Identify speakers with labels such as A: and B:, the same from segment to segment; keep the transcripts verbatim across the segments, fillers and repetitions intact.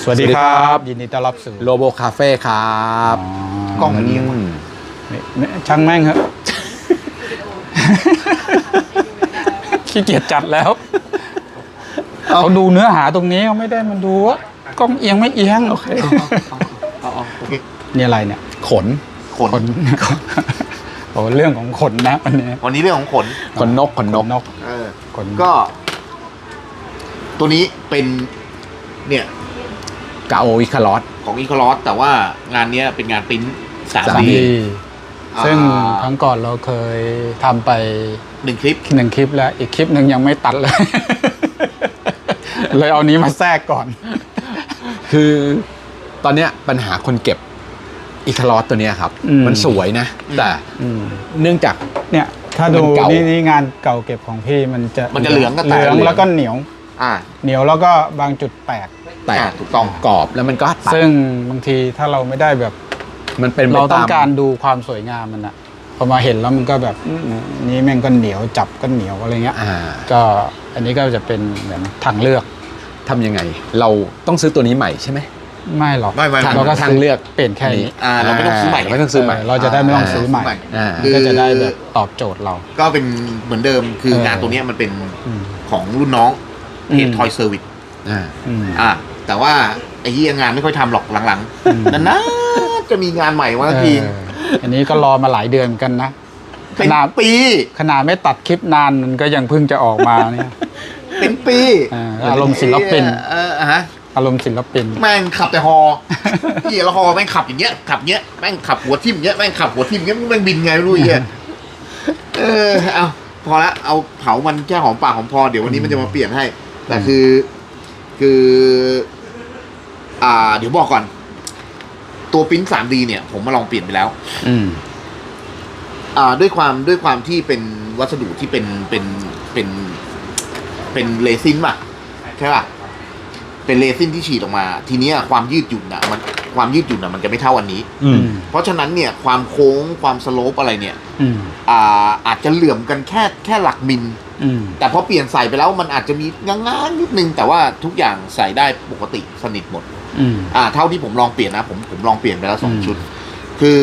A: สวัสดีครับยินดีต้อนรับสู่
B: โลโบคาเฟ่ครับ
A: กล้องมันเอียงช่างแม่งครับขี้เกียจจัดแล้วเขาดูเนื้อหาตรงนี้เขาไม่ได้มันดูว่ากล้องเอียงไม่เอียงโอเคนี่อะไรเนี่ย
B: ขน
A: ขนโอ้เรื่องของขนนะวันนี้
C: วันนี้เรื่องของขน
B: ขนนกขนนก
C: เออขนก็ตัวนี้เป็นเนี่ย
B: กาโออิคาลอส
C: ของอีคาลอสแต่ว่างานนี้เป็นงานปริ้นสามดี
A: ซึ่งครั้งก่อนเราเคยทำไป
C: หนึ่งคลิป
A: หนึ่งคลิปแล้วอีกคลิปหนึ่งยังไม่ตัดเลยเลยเอานี้มาแทรกก่อน
B: คือตอนเนี้ยปัญหาคนเก็บอีคาลอสตัวเนี้ยครับมันสวยนะแต่เนื่องจาก
A: เนี่ยถ้าดูนี่นี่งานเก่าเก็บของพี่มันจะ
C: มันจะเหลืองก็
A: เหลืองแล้วก็เหนียว
C: อ่า
A: เหนียวแล้วก็บางจุดแตก
B: แตกถูกต้องกรอบแล้วมันก็
A: ซึ่งบางทีถ้าเราไม่ได้แบบ
B: มันเป็น
A: เราต้องการดูความสวยงามมันอะพอมาเห็นแล้วมันก็แบบนี้แม่งก็เหนียวจับก็เหนียวอะไรเงี้ยก็อันนี้ก็จะเป็นเหมือนทางเลือก
B: ทำยังไงเราต้องซื้อตัวนี้ใหม่ใช่ไหม
A: ไม่หรอก
C: ไม่ไม่
A: เราก็
B: ทางเลือก
A: เปลี่ยนแค่นี้
C: เราไม่ต้องซื้อใหม่
B: ไม่ต้องซื้อใหม่
A: เราจะได้ไม่ต้องซื้อใหม่ก็จะได้แบบตอบโจทย์เรา
C: ก็เป็นเหมือนเดิมคืองานตัวนี้มันเป็นของรุ่นน้องเฮดทอยเซอร์วิสอ่าแต่ว่าไอ้ที่งานไม่ค่อยทำหรอกหลังๆนั่นนะจะมีงานใหม่มาที
A: อันนี้ก็รอมาหลายเดือนกันนะ
C: ขนาดปี
A: ขนาดไม่ตัดคลิปนานมันก็ยังเพิ่งจะออกมาเนี่ย
C: เป็นปี
A: อารมณ์ศิลปิน
C: เออฮะ
A: อารมณ์ศิลปิน
C: แม่งขับแต่ฮอพี่ละฮอแม่งขับอย่างเงี้ยขับเงี้ยแม่งขับหัวทิ่มเงี้ยแม่งขับหัวทิ่มเงี้ยแม่งบินไงไม่รู้เงี้ยเออเอาพอละเอาเผามันแค่หอมปากหอมคอเดี๋ยววันนี้มันจะมาเปลี่ยนให้แต่คือคืออ่าเดี๋ยวบอกก่อนตัวปริ้น ทรี ดี เนี่ยผมมาลองเปลี่ยนไปแล้วอืมอ่าด้วยความด้วยความที่เป็นวัสดุที่เป็นเป็นเป็นเป็นเรซินป่ะใช่ป่ะเป็นเรซินที่ฉีดออกมาทีนี้ความยืดหยุ่นอ่ะมันความยืดหยุ่นอ่ะมันจะไม่เท่าอันนี้เพราะฉะนั้นเนี่ยความโค้งความสโลปอะไรเนี่ยอ่าอาจจะเหลื่อมกันแค่แค่หลักมิลแต่พอเปลี่ยนใส่ไปแล้วมันอาจจะมีง้างๆนิดนึงแต่ว่าทุกอย่างใส่ได้ปกติสนิทหมดอ่าเท่าที่ผมลองเปลี่ยนนะผมผมลองเปลี่ยนไปแล้วสองชุดคือ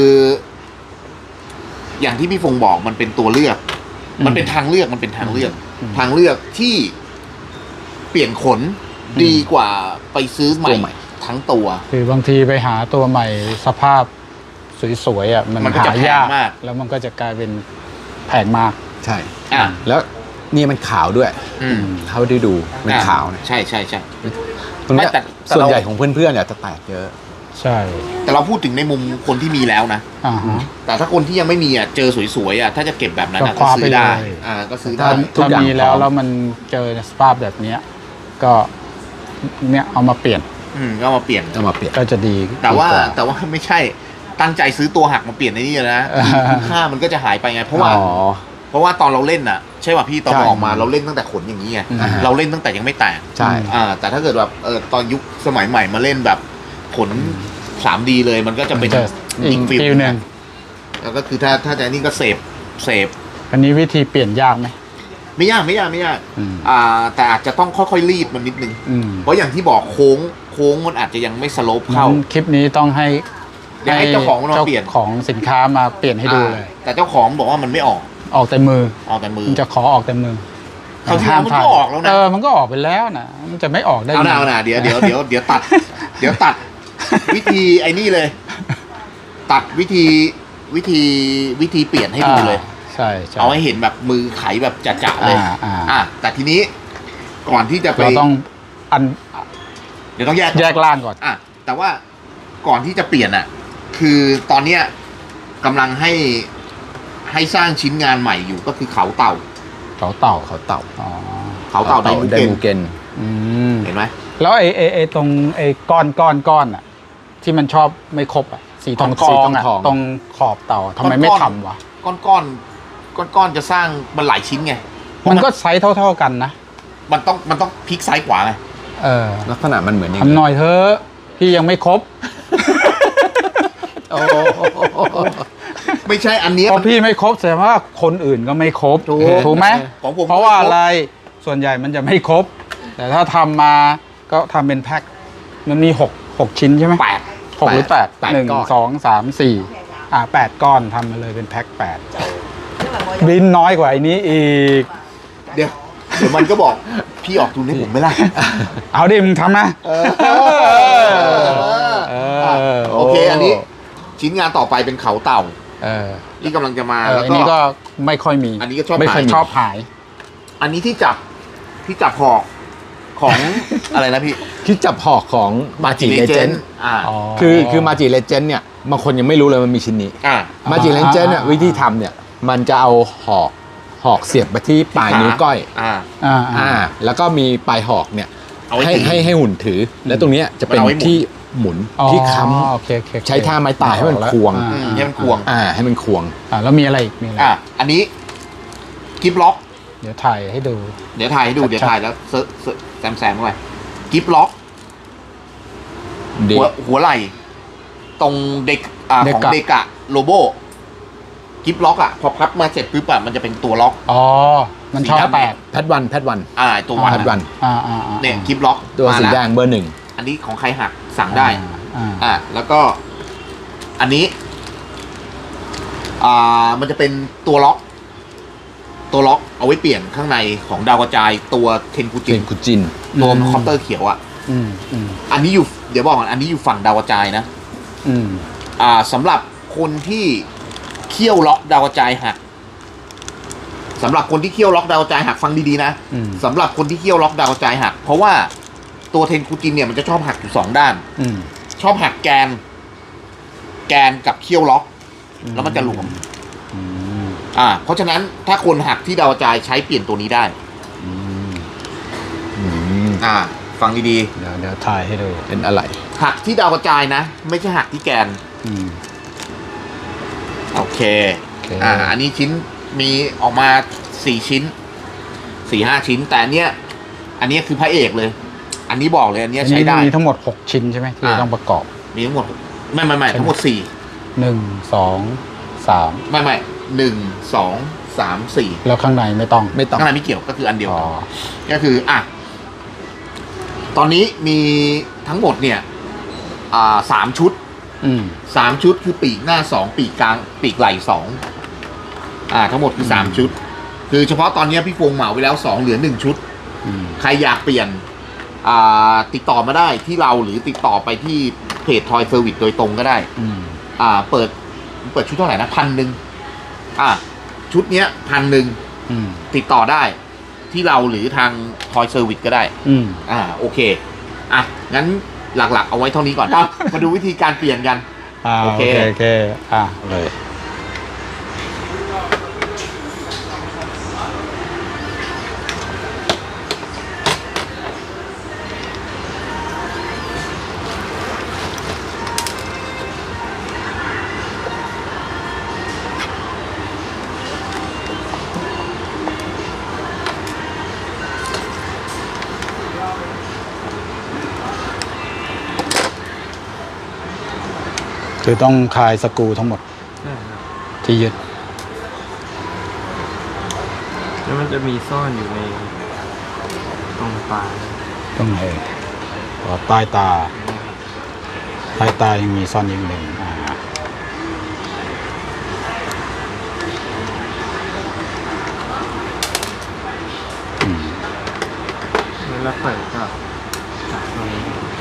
C: อย่างที่พี่ฟงบอกมันเป็นตัวเลือกมันเป็นทางเลือกมันเป็นทางเลือกทางเลือกที่เปลี่ยนขนดีกว่าไปซื้อใหม่ทั้งตัว
A: คือบางทีไปหาตัวใหม่สภาพสวยๆอ่ะมันหายากแล้วมันก็จะกลายเป็นแพงมาก
B: ใช่อ่ะแล้วนี่มันขาวด้วยเท่าที่ดูมันขาวนะ
C: ใช่ใช่ใช่
B: ตรงนี้ส่วนใหญ่ของเพื่อนๆเนี่ยจะแตกเยอะ
A: ใช่
C: แต่เราพูดถึงในมุมคนที่มีแล้วนะแต่ถ้าคนที่ยังไม่มีอ่ะเจอสวยๆอ่ะถ้าจะเก็บแบบนั้นก็ซื้อได้อ่าก็ซื้อได้
A: ถ้ามีแล้วแล้วมันเจอสภาพแบบนี้ก็เนี่ยเอามาเปลี่ยน
C: อืมก็มาเปลี่ยน
B: เอามาเปลี่ยน
A: ก็จะดี
C: แต่ว่าแต่ว่าไม่ใช่ตั้งใจซื้อตัวหักมาเปลี่ยนในนี่นะค่ามันก็จะหายไปไงเพราะว่าเพราะว่าตอนเราเล่นอ่ะใช่ป่ะพี่ตอนออกมาเราเล่นตั้งแต่ขนอย่างนี้ไงเราเล่นตั้งแต่ยังไม่แตก
B: ใช่
C: อ่าแต่ถ้าเกิดแบบเออตอนยุคสมัยใหม่มาเล่นแบบขน สามดี เลยมันก็จะเป็น
A: อีกฟิลนึง
C: แล้วก็คือถ้าถ้าจะนี่ก็เสพเสพ
A: อันนี้วิธีเปลี่ยนยากไหม
C: ไม่ยากไม่ยากไม่ยากอ่าแต่อาจจะต้องค่อยๆรีดมันนิดนึงเพราะอย่างที่บอกโค้งโค้งมันอาจจะยังไม่สโลปเข้า
A: คลิปนี้ต้องให้
C: ให้เจ้าของมาเปลี่ยน
A: ของสินค้ามาเปลี่ยนให้ดูเลย
C: แต่เจ้าของบอกว่ามันไม่ออก
A: ออกแต่มือ
C: ออกแต่มือ
A: มันจะขอออกแต่มือ
C: เขาที่มันก็ออกแล้วนะ
A: เออมันก็ออกไปแล้วนะมันจะไม่ออกได้
C: เอาหน่าเอาหน่าเดี๋ยวเดี๋ยวเดี๋ยวเดี๋ยวตัดเดี๋ยวตัดวิธีไอ้นี่เลยตัดวิธีวิธีวิธีเปลี่ยนให้ดูเลย
A: ใช่
C: เอาให้เห็นแบบมือไขแบบจ่าๆเลยอ่าแต่ทีนี้ก่อนที่จะไป
A: เราต้องอัน
C: เดี๋ยวต้องแยก
A: แยกล่างก่อน
C: อ่ะแต่ว่าก่อนที่จะเปลี่ยนอ่ะคือตอนเนี้ยกำลังให้ให้สร้างชิ้นงานใหม่อยู่ก็คือเขาเต่า
A: เขาเต่า
B: เขาเต่า
C: อ๋อเขาเต่าไดมู
B: เกน
C: เห็นไหม
A: แล้วไอ้ไอ้ไอ้ตรงไอ้ก้อนก้อนก้อนอ่ะที่มันชอบไม่ครบอ่ะสีทองสีทองตรงขอบเต่าทำไมไม่ทำวะ
C: ก้อนก้อนก้อนก้อนจะสร้างมันหลายชิ้นไง
A: มันก็ไซส์เท่าๆกันนะ
C: มันต้องมันต้องพลิกซ้ายขวาไง
A: เออ
B: ลักษณะมันเหมือน
A: ทำหน่อยเถอะพี่ยังไม่ครบ
C: โอ้ไม่ใช่อันนี้
A: พอพี่ไม่ครบแสดงว่าคนอื่นก็ไม่ครบถูกไหมเพราะว่าอะไรส่วนใหญ่มันจะไม่ครบแต่ถ้าทำมาก็ทำเป็นแพ็คมันมีหกหกชิ้นใช่ไหม
C: แปด
A: หกหรือแปด
B: แปด
A: หนึ่ง
B: ก้อน
A: สองสามสี่อ่าแปดก้อนทำมาเลยเป็นแพ็คแปดบินน้อยกว่าไอ้นี้อีก
C: เดี๋ยวเดี๋ยวมันก็บอกพี่ออกทุนให้ผมไหมล่ะ
A: เอาดิมึงทำนะ
C: เออ
A: เออ
C: โอเค อันนี้ชิ้นงานต่อไปเป็นเขาเต่า
A: เออ
C: ที่กำลังจะมา
A: เออ
C: แล้ว
A: อัน
C: ก็
A: นี้ก็ไม่ค่อยมี
C: อันนี้ก็ชอบ
A: ไม่ค่อย
C: หาย
A: ชอบหาย
C: อันนี้ที่จับที่จับหอกของ อะไรนะพี่
B: ที่จับหอกของมาจิเลเจน
C: อ่า
A: อ๋อ
B: คือคือมาจิเลเจนเนี่ยบางคนยังไม่รู้เลยมันมีชิ้นนี้
C: อ่า
B: มาจิเลเจนเนี่ยวิธีทำเนี่ยมันจะเอาหอกหอกเสียบไปที่ปลายนิ้วก้อย
C: อ่า
A: อ่า
B: อ่าแล้วก็มีปลายหอกเนี่ย
C: เอาไว้
B: ให้
C: ถือ
B: ให้ให้หุ่นถือ แล้วตรงเนี้ยจะเป็น
C: มันเอาไว้หมุน
B: ที่หมุน
A: อ๋อ
B: ที่ค้
A: โอเคโอเคโอเค
B: ำใช้ท่าไม้ตายให้มันควง
C: อืมให้มันควง
B: อ่าให้มันควง
A: อ่าแล้วมีอะไรอีกมีอะไร
C: อ่าอันนี้กิฟล็อก
A: เดี๋ยวถ่ายให้ดู
C: เดี๋ยวถ่ายให้ดู
A: ชัดๆ
C: เดี๋ยวถ่ายแล้วเซิร์ชเซิร์ชแซมแซมเข้าไปกิฟล็อก
B: เด็
C: หัวหัวไหล่ตรงเด็กอ่าของเด็กอะโลโบกิฟล็อกอะพอพับมาเสร็จปุ๊บอะมันจะเป็นตัวล็อก
A: อ๋อมันชอบแปด
B: แพทวันแพทวัน
C: อ่าตัววัน
B: แพทวัน
C: อะ
A: อ่าอ่าอ่า
C: เนี่ยกิฟล็อก
B: ตัว
C: มา
B: สี
C: แล้ว
B: แดงเบอร์หนึ่ง
C: อันนี้ของใครหักสั่งได้
A: อ่า
C: อ่าแล้วก็อันนี้อ่ามันจะเป็นตัวล็อก ตัวล็อกเอาไว้เปลี่ยนข้างในของดาวกระจายตัวเทนกุ
B: เจ
C: จิ
B: นคุจิน
C: ตัวคอปเตอร์เขียวอ่ะ
A: อืมอืม
C: อันนี้อยู่เดี๋ยวบอกก่อนอันนี้อยู่ฝั่งดาวกระจายนะ
A: อืม
C: อ่าสำหรับคนที่เคี่ยวล็อกดาวกระจายหักสำหรับคนที่เคี่ยวล็อกดาวกระจายหักฟังดีๆนะ
A: อืม
C: สำหรับคนที่เคี่ยวล็อกดาวกระจายหักเพราะว่าตัวเทนกุจินเนี่ยมันจะชอบหักอยู่สองด้าน
A: อืม
C: ชอบหักแกน แกนกับเคี่ยวล็อก แล้วมันจะหลวม
A: อืม
C: อ่า เพราะฉะนั้นถ้าคนหักที่ดาวกระจายใช้เปลี่ยนตัวนี้ได้
A: อืม
B: อืม
C: อ่า ฟังดี
A: เดี๋ยวเดี๋ยวถ่ายให้ดู
B: เป็นอะไร
C: ๆหักที่ดาวกระจายนะ ไม่ใช่หักที่แกน
A: อืม
C: โอเค
A: โอเค
C: อ่า อันนี้ชิ้นมีออกมาสี่ชิ้นสี่ห้าชิ้น แต่อันเนี้ย อันเนี้ยคือพระเอกเลย อันนี้บอกเลยอันเนี้ย
A: อัน
C: ใช้
A: นี้
C: ได้
A: มีทั้งหมดหกชิ้นใช่ไหมที่
C: อ่า
A: ต้องประกอบ
C: มีทั้งหมดไม่ไม่ไม่ทั้งหมดสี่
A: หนึ่งสองสาม
C: ไม่ไม่หนึ่งสองสามสี่
A: แล้วข้างในไม่ต้อง
B: ไม่ต้อง
C: ข้างในไม่เกี่ยวก็คืออันเดียว
A: อ๋อ
C: กันก็คืออ่ะตอนนี้มีทั้งหมดเนี่ย อ่าสามชุด
A: อืม
C: สามชุดคือปีกหน้าสองปีกกลาง ปีกไหล่สองอ่า ทั้งหมดคือสามชุด คือเฉพาะตอนนี้พี่ฟงเหมาไปแล้วสองเหลือหนึ่งชุด
A: อืม
C: ใครอยากเปลี่ยน อ่า ติดต่อมาได้ที่เราหรือติดต่อไปที่เพจทอยเซอร์วิสโดยตรงก็ได้
A: อืม
C: อ่า เปิด เปิดชุดเท่าไหร่นะพันหนึ่งอ่า ชุดเนี้ยพันหนึ่ง
A: อืม
C: ติดต่อได้ที่เราหรือทางทอยเซอร์วิสก็ได้
A: อืม
C: อ่า โอเค อ่ะ งั้นหลักๆ เอาไว้เท่านี้ก่อนครับ มาดูวิธีการเปลี่ยนกัน
A: อ่า
C: โอ
A: โอ
C: เค
A: เคโอเคอ่าเลย คือต้องคลายสกรูทั้งหมดที่ยึด
D: แล้วมันจะมีซ่อนอยู่ในตรงปลาย
A: ตรงไหนอ๋อใต้ตาใต้ตายังมีซ่อนอีกหนึ่งอ่า
D: แล้วเปิดก็จับตรงนี้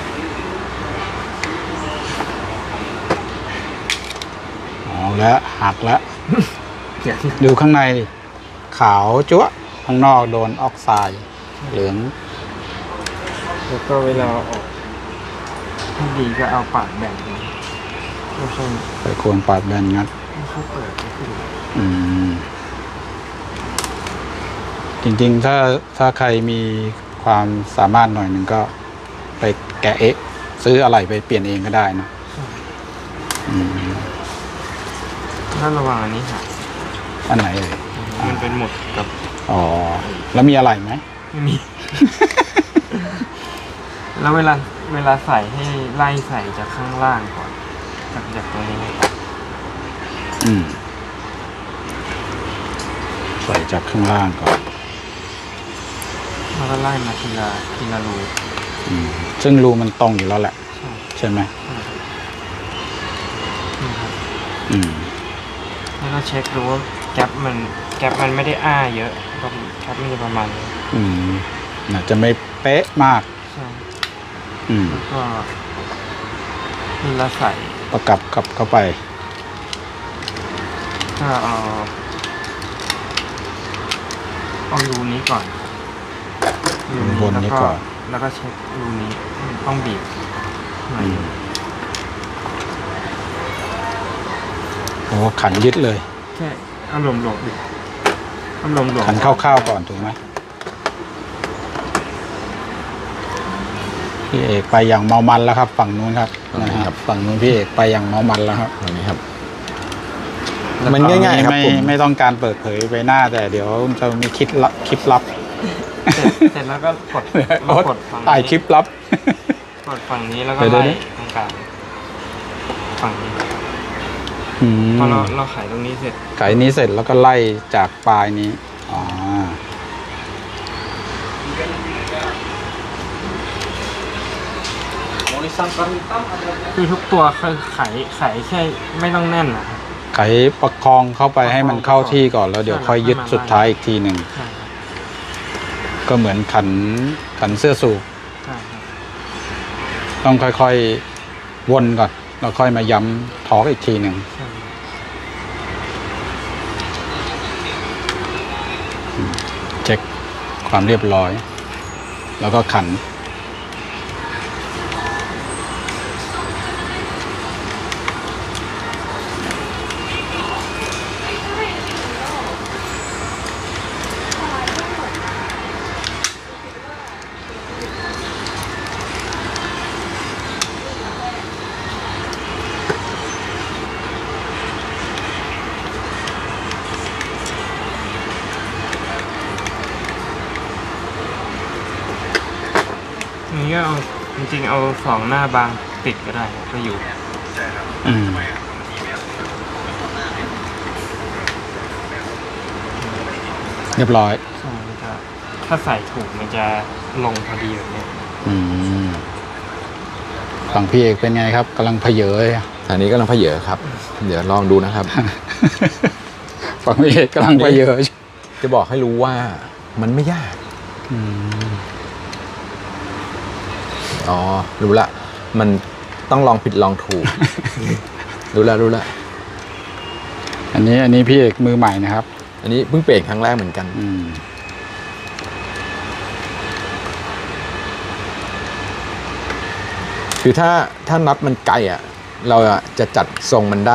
A: เอาแล้วหักแล้ว
D: เขียน
A: ดูข้างในดิขาวจั๊วะข้างนอกโดนออกไซด์เหลือง
D: แล้วก็เวลาเอาออกที่ดีก็เอาปากแบ่งดูไม่ใช่
A: ไปควรปาดแบนงัด
D: ไม่ใช่เปิดก็คือ
A: อืม จริงๆ ถ้าถ้าใครมีความสามารถหน่อยหนึ่งก็ไปแกะเอ๊ะซื้ออะไรไปเปลี่ยนเองก็ได้นะอืม
D: ถ้าระวังอันนี้หัก
A: อันไหนเอ่ย
D: มันเป็นหมดกับ
A: อ๋อ แล้วมีอะไรไหม
D: ไม่มี แล้วเวลาเวลาใส่ให้ไล่ใส่จากข้างล่างก่อนจากจากตรงนี้
A: อืม ใส่จากข้างล่างก่อน
D: แล้วก็ไล่มาทีละทีละรู
A: อืมซึ่งรูมันตรงอยู่แล้วแหละ
D: ใช่
A: ใช่ไหม
D: นี่ครับ
A: อืม
D: แล้วก็เช็คดูว่าแก๊ปมันแก๊ปมันไม่ได้อ้าเยอะก็แก๊ปมันจะประมาณนี้
A: อืมน่าจะไม่เป๊ะมาก
D: ใช่
A: อืม
D: แล้วก็นี่เราใส่
A: ประกับกับเข้าไป
D: ก็เอาเอารูนี้ก่อนรู
A: บนนี้
D: แล้ว
A: ก่อน
D: แล้วก็เช็ครูนี้ต้องบีบหน่อย
A: อืมโอ้ขันยึดเลย
D: แค่เอาหลวมหลวมๆดิเอาหลวมหลวม
A: ขันคร่าวๆก่อนถูกไหมพี่เอกไปอย่างเมามันแล้วครับ ฝั่งนู้นครับ
B: ฝั่งนู้
A: นะ
B: น
A: ค
B: ครั
A: รับบ ฝั่งนู้นพี่เอกไปอย่างเมามันแล้วครับ
B: ตรงนี้ครับ มันง่ายๆครับ
A: ไม่
B: ผม
A: ไม่ต้องการเปิดเผยไปหน้า แต่เดี๋ยวจะมีคลิปลับคลิปลับ
D: เสร็จเสร็จแล้วก็กดมากดฝั่ง
A: ถ่าย
D: นี้
A: คลิปลับ
D: กดฝั่งนี้แล้วก็
A: เดี๋ยว
D: ไล่
A: เดี๋ยว
D: ตรงกลางฝั่งนี้
A: อืม
D: พอเราเราไขตรงนี้เสร็จ
A: ไขนี้เสร็จแล้วก็ไล่จากปลายนี้อ๋อ
D: คือทุกตัวคือไขไขแค่ไม่ต้องแน่นนะครับ
A: ไขประคองเข้าไปให้มันเข้าที่ก่อนแล้วเดี๋ยวค่อยยึดสุดท้ายอีกทีหนึ่ง
D: ใช่ครับ
A: ก็เหมือนขันขันเสื้อสูบ
D: ใช่ครับ
A: ต้องค่อยๆวนก่อนแล้วค่อยมาย้ำทอร์กอีกทีหนึ่ง
D: ใช่
A: เช็คความเรียบร้อย แล้วก็ขัน
D: อันนี้ก็เอาจริงๆเอาสองหน้าบางติดก็ได้ก็อยู่
A: อืมเรียบร้อย
D: ใช่มันจะถ้าใส่ถูกมันจะลงพอดีแบบนี้
A: อืมฝั่งพี่เอกเป็นไงครับกำลังเพเยอเลย
B: อันนี้กำลังเพเยอครับ เดี๋ยวลองดูนะครับ
A: ฝั่งพี่เอกกำลังเพเยอ
B: จะบอกให้รู้ว่ามันไม่ยาก
A: อืม
B: อ๋อ รู้ละ มันต้องลองผิดลองถูก รู้ละรู้ละ
A: อันนี้อันนี้พี่เอกมือใหม่นะครับ
B: อันนี้เพิ่งเปลี่ยนครั้งแรกเหมือนกัน
A: อืม
B: คือถ้าถ้าน็อตมันไกลอ่ะ เราอะจะจัดทรงมันได้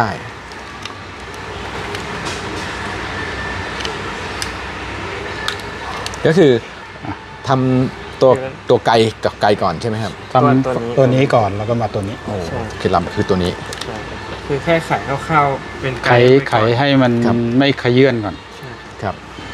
B: ก็คือทำตัวตัวไกลกับไกลก่อนใช่ไหมครับ
A: ทำตัวนี้ก่อนแล้วก็มาตัวนี้
B: โอ้เคล็ดลับคือตัวนี้
D: ใช่คือแค่ไขคร่าวๆเป็น
A: ไข
D: ไกด์ว้
A: ไข
D: ก่อน
A: ให้มัน
B: ครับ
A: ไม่ขยื่นก่อน
D: ใช่
B: ครับ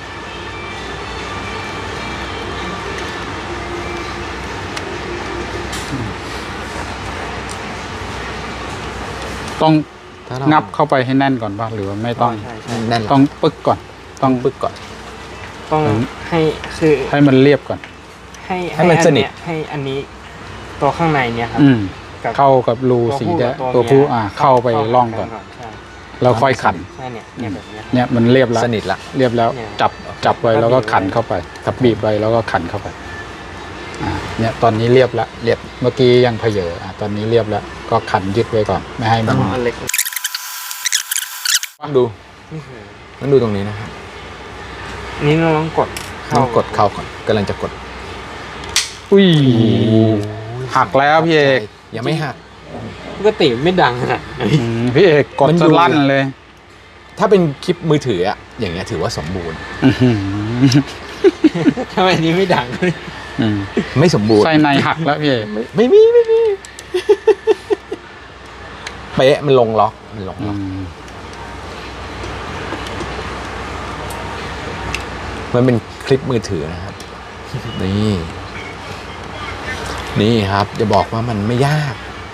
A: ต้อง
B: ถ้าเรา
A: งับเข้าไปให้แน่นก่อนป่ะหรือว่าไม่ต้อง
D: ใช่ใช่
B: แน่น
A: ต้องปึ๊กก่อน ต้อง
B: ปึ๊กก่อน
D: ต้องให้คือ
A: ให้มันเรียบก่อน
D: ให้
B: ให้มัน
D: อั
B: สนิท
D: เยให้อันนี้ตัวข้างในเนี่ยครับ
A: อืม
D: กับ
A: เข้ากับรู
D: ตัว
A: สี
D: ผู้
A: แด
D: กับ
A: ง
D: ตัว
A: ตัวผู้
D: เมีย
A: อ่า เข้าไปร่องก่อน
D: ใช่
A: แล้วค่อยขัน
D: ใช่เนี่ยเนี่ยแบบเนี้ย
A: เนี่ยมันเรียบแล้ว
B: สนิทละ
A: เรียบแล้ว
D: เนี่ย
A: จับจับไว้
D: ก็
A: แล้วก็
D: บีบไว้
A: ขันเข้าไปกับบีบไว้แล้วก็ขันเข้าไปอ่าเนี่ยตอนนี้เรียบแล้วเรียบเมื่อกี้ยังเพเยออ่ะตอนนี้เรียบแล้วก็ขันยึดไว้ก่อน ไม่ให้มัน
D: เอาอันเล็ก
B: ดู
D: นี่คือ
B: ต้องดูตรงนี้นะครับ
D: นี่เราต้องกด
B: ต้องกดเข้าก่อนกำลังจะกด
A: อุ้ยหักแล้วพี่เอก
B: ยังไม่หัก
D: ปกติไม่ดังขนาดนั้น
A: อืมพี่เอกกด
B: มัน
A: จะ
B: อยู่
A: ลั่นเลย
B: ถ้าเป็นคลิปมือถืออะอย่างเงี้ยถือว่าสมบูรณ์
A: อื้อหือ
D: ทำไมอันนี้ไม่ดัง
A: อืม
B: ไม่สมบูรณ์
A: ไส้ในหักแล้วพี่เอก
B: ไม่ไม่มีไม่มี เป๊ะมันลงล็อกมันลง
A: อื
B: ล็อก
A: ม
B: มันเป็นคลิปมือถือนะครับ นี่ นี่ครับ จะบอกว่ามันไม่ยาก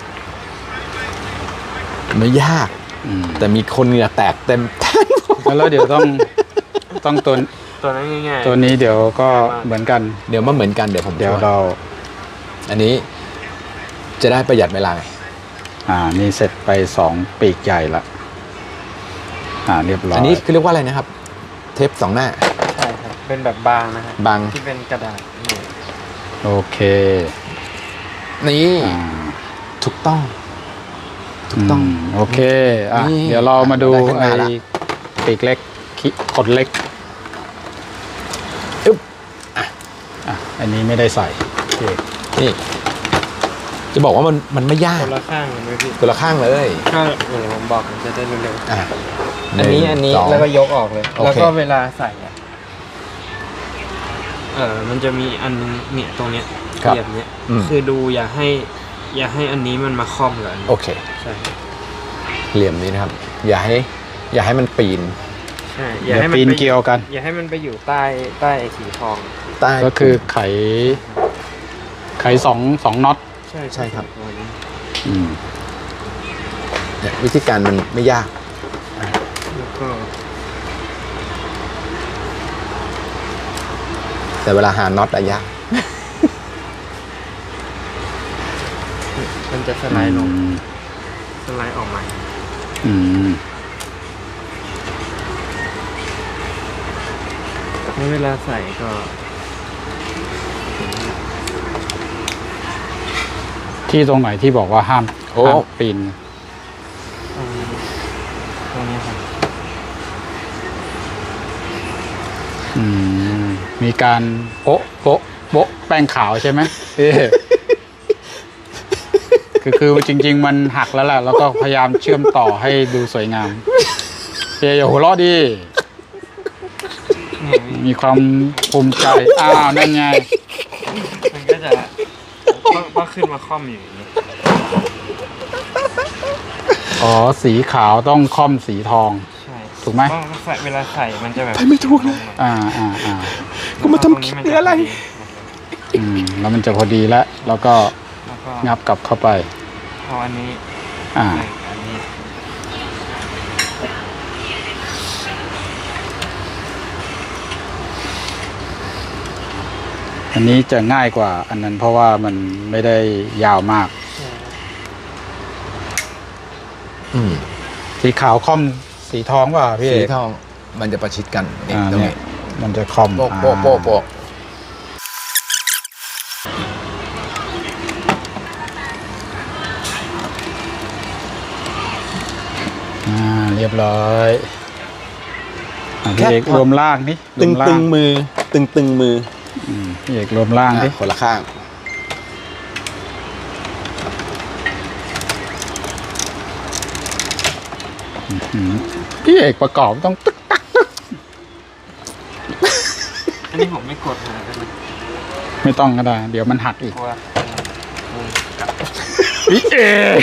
B: ไม่ยาก
A: อืม
B: แต่มีคนเหงื่อแตกเต็มแท่น
A: แล้วเดี๋ยวต้องต้องตัว
D: ตัวนั้นง่ายๆ
A: ตัวนี้เดี๋ยวก็เหมือนกัน
B: เดี๋ยวมาเหมือนกันเดี๋ยวผม
A: เดี๋ยว
B: ช่
A: เรา
B: อันนี้จะได้ประหยัดเวลาไง
A: อ่านี่เสร็จไปสองปีกใหญ่ละอ่าเรียบร้อย
B: อันนี้คือเรียกว่าอะไรนะครับ เทปสองหน้า
D: ใช่ครับเป็นแบบบางนะฮะ
B: บาง
D: ที่เป็นกระดาษนี่
A: โอเค
B: นี่
A: อ่า
B: ถูกต้อง ถูกต้อง
A: มโอเคอ่ะ
B: นี่
A: เดี๋ยวเรามาดู
B: ได้ข้างห
A: ไอ้
B: น้าละ
A: ปีกเล็กขี้ขดเล็ก
B: อึ๊บ
A: อ่ะอันนี้ไม่ได้ใส่โอเค
B: นี่จะบอกว่ามันมันไม่ยาก
D: คนละข้างกันไหมพี่
B: คนละข้างเลย
D: ก็เหมือนผมบอกมันจะได้เร็ว
B: อ่ะ
D: ๆอันนี้อันนี้
B: หงสง
D: แล้วก็ยกออกเลย
B: โอเค
D: แล้วก็เวลาใส่อะเออมันจะมีอันนึงเนี่ยตรงเนี้ย
B: ครับ
D: เหยียบเนี้ย
B: อืม
D: คือดูอย่าให้ อย่าให้อันนี้มันมาคล่อมกับอันนี้
B: โอเค
D: ใช่
B: เหลี่ยมนี้นะครับ อย่าให้ อย่าให้มันปีน
D: ใช่อ
A: เดี๋
D: ย่า
A: ยว
D: ให้มัน
A: ปีน
D: ไป
A: เกลียวกัน
D: อย่าให้มันไปอยู่ใต้ใต้ไอ้สีทอง
B: ใต้
A: ก็คือไข ไขสองสองน็อต
D: ใช่
B: ใช่ครับ
D: ตัวนี้
A: อืม
B: เนี่ยวิธีการมันไม่ยาก
D: แล้วก็
B: แต่เวลาหาน็อตอะยาก
D: มันจะสไลด์ลงสไลด์ออกมา
A: อืม
D: แล้วเวลาใส่ก็
A: ที่ตรงไหนที่บอกว่าห้าม
B: โอ้
A: ห้ามปีน
D: ตรงนี้ตรงนี้ครับ
A: อืม มีการโป๊ะโป๊ะโป๊ะแป้งขาวใช่ไหมเอ๊ะคือคือจริง ๆ มันหักแล้วแหละแล้วก็พยายามเชื่อมต่อให้ดูสวยงามเฮ้ยอย่าหัวเราะดิ
D: เนี่ยพี่
A: มีความภูมิใจ อ้าว นั่นไง
D: มันก็จะก็ก็ขึ้นมาคล่อมอยู่อย่างนี้
A: อ๋อ สีขาวต้องค่อมสีทอง
D: ใช่
A: ถูกไหม
D: เพราะใส่เวลาใส่มันจะแบบ
B: ไม่ถูกเลย
A: อ่าอ่าอ่า
B: ก็มาทำคิดอะไร
A: อืม แล้วมันจะพอดีแล้ว แล้วก็
D: แล้วก็
A: งับกลับเข้าไป
D: เอาอันนี้
A: อ่า
D: ใส่อันนี้
A: อันนี้จะง่ายกว่าอันนั้นเพราะว่ามันไม่ได้ยาวมาก
D: ใช่
B: อืม
A: สีขาวค่อมสีทองป่ะพี่เอ
B: สี
A: ก
B: ทอง มันจะประชิดกันนี่
A: อ่า
B: ตรง
A: เนี่
B: นี้
A: ยมันจะค่อม
B: โป๊ะโป๊ะโป๊ะโป๊ะ
A: อ่าเรียบร้อยอ่ะพี่เอกรวมล่างนี่ร
B: ตึ
A: ว
B: ง
A: มล่า
B: ตึ
A: ง
B: งมือ ตึงตึงมือ
A: อืมพี่เอกรวมล่างดิ
B: อ่ะคนละข้าง
A: อืมพี่เอกประกอบต้องตึ๊กตักตึ๊ก
D: อันนี้ผมไม่กดหาได้ไหม
A: ไม่ต้องก็ได้ เดี๋ยวมันหักอีก
D: เพราะว่ามุมกลับ
A: พี่เอก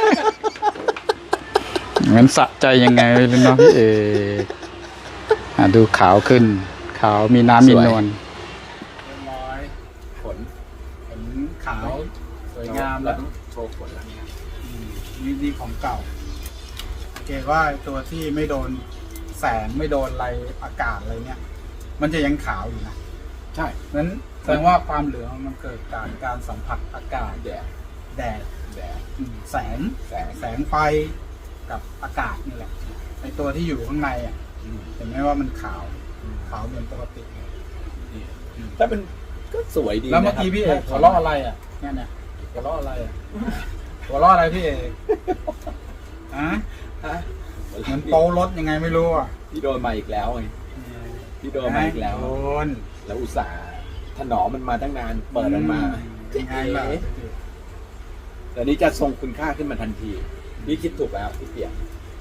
A: มันสะใจยังไงไม่รู้เนาะพี่เอกอ่ะดูขาวขึ้น ขาวมีน้ำมีนวลเรียบร้อยผลผลขาวสวยงามแล้ว
B: โชว์ผลแล้ว
A: นี่ดีของเก่าโอเคว่าตัวที่ไม่โดนแสงไม่โดนอะไรอากาศอะไรเนี่ย มันจะยังขาวอยู่นะ
B: ใช่
A: นั้นแสดงว่าความเหลืองมันเกิดจากการสัมผัสอากาศ
B: แดด
A: แดด
B: แดด
A: อืมแสง
B: แสง
A: แสงไฟกับอากาศนี่แหละไอตัวที่อยู่ข้างในอ่ะ
B: อืม
A: เห็นไหมว่ามันขาวขาวเหมือนปกติเลย
B: ถ้าเป็นก็สวยดี
A: แล้วเมื่อกี้พี่เอกหัวเราะอะไรอ่ะเนี่ยเนี่ยหัวเราะอะไรอ่ะหัวเราะอะไรพี่เอกฮะ
B: ฮะ
A: เหมือนโป๊รถยังไงไม่รู้อ่ะ
B: พี่โดนมาอีกแล้วไงพี่โดนมาอีกแล้ว
A: โดน
B: แล้วอุตส่าห์ถนอมมันมาตั้งนาน เปิดมันมา
A: ยังไงล่ะ
B: แต่นี้จะทรงคุณค่าขึ้นมาทันทีพี่คิดถูกแล้วพี่เปียก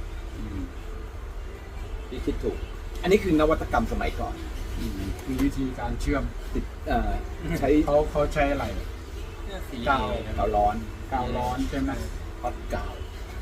B: พี่คิดถูก อันนี้คือนวัตกรรมสมัยก่อน
A: คือวิธีการเชื่อม
B: ติดเอ่อใช้
A: เขาเขาใช้อะไร
D: สี
A: กาว
B: กาวร้อน
A: กาวร้อนใช่ไหม
B: ฮอตกาว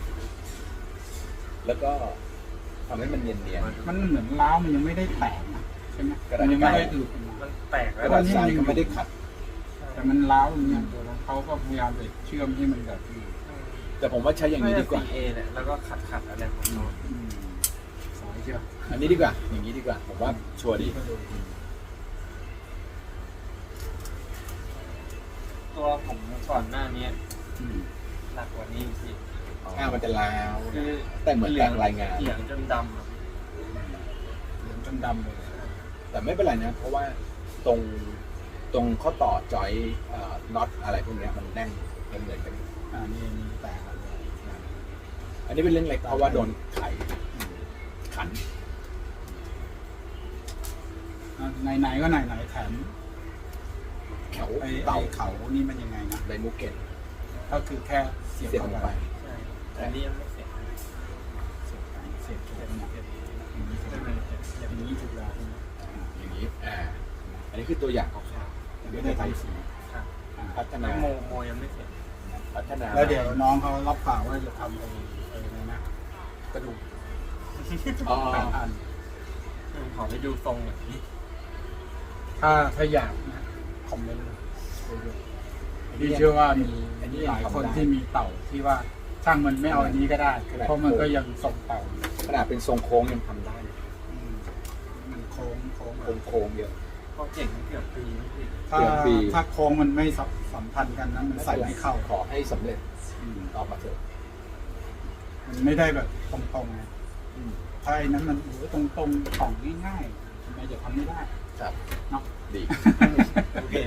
B: แล้วก็ทำให้มันเนียนเนียน
A: มันเหมือนล้าวมันยังไม่ได้แตกนะใช่ไหม
B: กระดาษ
A: มันยังไม่ได้อึดมา
D: มันแตก
B: ก
D: แล้ว
B: ระดาษทรายก็ไม่ได้ขัด
A: แต่มันล้าวอย่างเงี้ยเขาก็พยายามจะเชื่อมให้มันแบบ
B: แต่ผมว่าใช้อย่างนี้ดีกว่า
D: สีเอเนี่ยแล้วก็ขัดขัดๆอะไรของเขา
A: อืมสายเชื่อม
B: อันนี้ดีกว่า อย่างนี้ดีกว่า ผมว่าชัวร์ดี
A: ก็ดู
D: ตัวผมก่อนหน้านี้
A: อืม
D: หนักกว่านี้พี่
B: อ่ามันจะลาว
D: คือ
B: แต่เหมือนแตกรายงาน
D: เหลืองจนดำอะ
A: เหลืองจนดำเลย
B: แต่ไม่เป็นไรนะ เพราะว่าตรงตรงข้อต่อจอยน็อตอะไรพวกเนี้ยมันแน่นมันเหมือนกัน
A: อ่านี่นี่แตกแล้วเลย
B: อันนี้เป็นเรื่องเล็กเพราะว่าโดนไขขัน
A: อ่ะไหนๆก็ไหนๆแถม
B: แถว
A: ไอ้
B: เต่า
A: ไอ้เขานี่มันยังไงนะ
B: ไดมูเกต
A: ก็คือแค่เสียบ
B: เสียบล
A: เข้าง
B: ไป
A: ไป
D: ใช่แต่นี่ยังไม่เสร็จ
A: เสียบไปเสียบถูกเนี่ยอย่างนี้ถูก
D: ไม่
A: แล้ว
D: ไม่เสร็จ
A: อย่างนี้ถูกแล้ว
B: อย่างนี้อ่าอันนี้คือตัวอย่างคร่าว
A: ยังไม่ได้ทำสี
D: ครับ
A: อ่า
B: ๆพัฒนา
D: แล้วโมโมยังไม่เสร็จ
B: พัฒนา
A: แล้วเดี๋ยวน้องเขารับปากว่าจะทำไอ้ไอ้อะไรนะกระดูก
B: อ๋อ
A: แปดอัน
D: ขอไปดูทรงหน่อย
A: ถ้าถ้าอยากนะคอมเมนต์เลยพี่เชื่อว่ามีหลายคนที่มีเต่าที่ว่าช่างมันไม่เอาอันนี้ก็ได้ เพราะมันก็ยังส่งเต่าอยู่
B: ขนาดเป็นทรงโค้งยังทำได้เลย
A: อืมมันโค้งโค้ง
B: โค้งโค้งเยอะ
D: เขาเก่งเกือบปีนะพี่
A: ถ้า
B: เกือบปี
A: ถ้าโค้งมันไม่สัมสัมพันธ์กันนั้นมันใส่ไม่เข้า
B: ขอให้สำเร็จ
A: อืม
B: ออกมาเถอะ
A: มันไม่ได้แบบตรงๆไง
B: อืม
A: ถ้าไอ้นั้นมันโอ้โหตรงๆของง่ายๆทำไมจะทำไม่ได้
B: ครับ
A: เนาะ
B: ดี
D: โอเค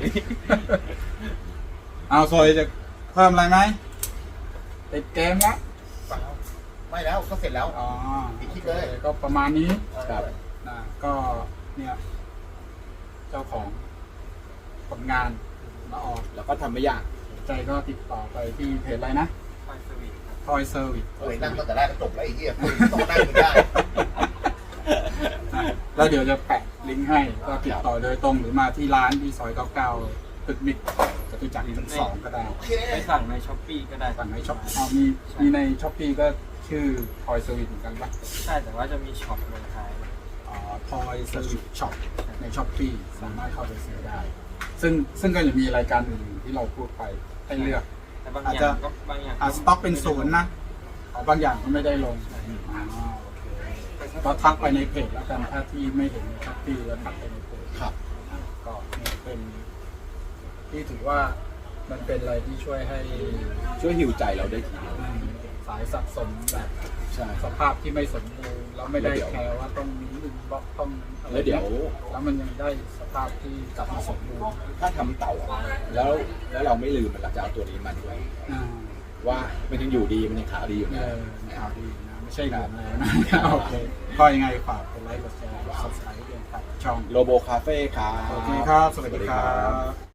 A: เอาโซยจะเพิ่มอะไรไหมติดเกมละ
C: ไม่แล้วก็เสร็จแล้ว
A: อ๋อ
C: ปิดคลิปเลย
A: โอคก็ประมาณนี้
B: ครับ
A: นะก็เนี่ย เจ้าของผลงานมาออก
B: แล้วก็ทำไม่ยาก
A: สนใจก็ติดต่อไปที่เพจอะไรนะ
D: ไฟสวิตครับ
A: Toy Service
C: เฮ้ยนั่งตั้งแต่แรกก็จบแล้วไอ้เหี้ยคุยต่อได้ไม่ได้
A: นะแล้วเดี๋ยวจะแปะลิงก์ให้ก็ติดต่อโดยตรงหรือมาที่ร้านที่ซอยเก้าเก้าตึกมิกจตุจักรชั้นสองก็ได้
C: โอเค
D: ไปสั่งในช้อปปี้ก็ได้
A: สั่งในช็อปอ๋อมีมีในช้อปปี้ก็ชื่อ Toy Service เหมือนกันปะ
D: ใช่แต่ว่าจะมีช็อปลงท้าย
A: อ๋อ Toy Service Shop ในช้อปปี้สามารถเข้าไปซื้อได้ ซึ่งซึ่งก็จะมีรายการอื่นๆที่เราพูดไปให้เลือก
D: แต่บาง
A: อาจ
D: อ
A: จะ
D: ย่างก็บางอย่าง
A: อ่าสต็อกเป็นศูนย์นะอ๋อบางอย่างก็ไม่ได้ลงอ๋อโอเคก็ทักไปในเพจแล้วกันถ้าที่ไม่เห็นในช้อปปี้แล้วทักไปในเพจ
B: ครับ
A: อ่าก็เนี่ยเป็นที่ถือว่ามันเป็นอะไรที่ช่วยให้
B: ช่วยหิวใจเราได้ทีเดียว
A: อืมสายสะสมแบบ
B: ใช่
A: สภาพที่ไม่สมบูรณ์แล้วไม่ได้แคร์ว่าต้องมีอินบ็อกซ์ต้องอะไร
B: แล้วเดี๋ยว
A: แล้วมันยังได้สภาพที่กลับมาสมบูรณ์
B: ถ้าทำเต่าอะแล้วแล้วเราไม่ลืมมันเราจะเอาตัวนี้มาด้วย
A: อ่า
B: ว่ามันยังอยู่ดีมันยังขาวดีอยู่
A: เอ
B: นะ
A: อข่าวดีนะไม่ใช่เหลืองแล้วนะโอเคก็ยังไงฝากกดไลค์กดแชร์กด ซับสไครบ์ด้วยครับช่อง
B: โลโบคาเฟ่ครับ
A: โอเคครับ สวัสดีครับ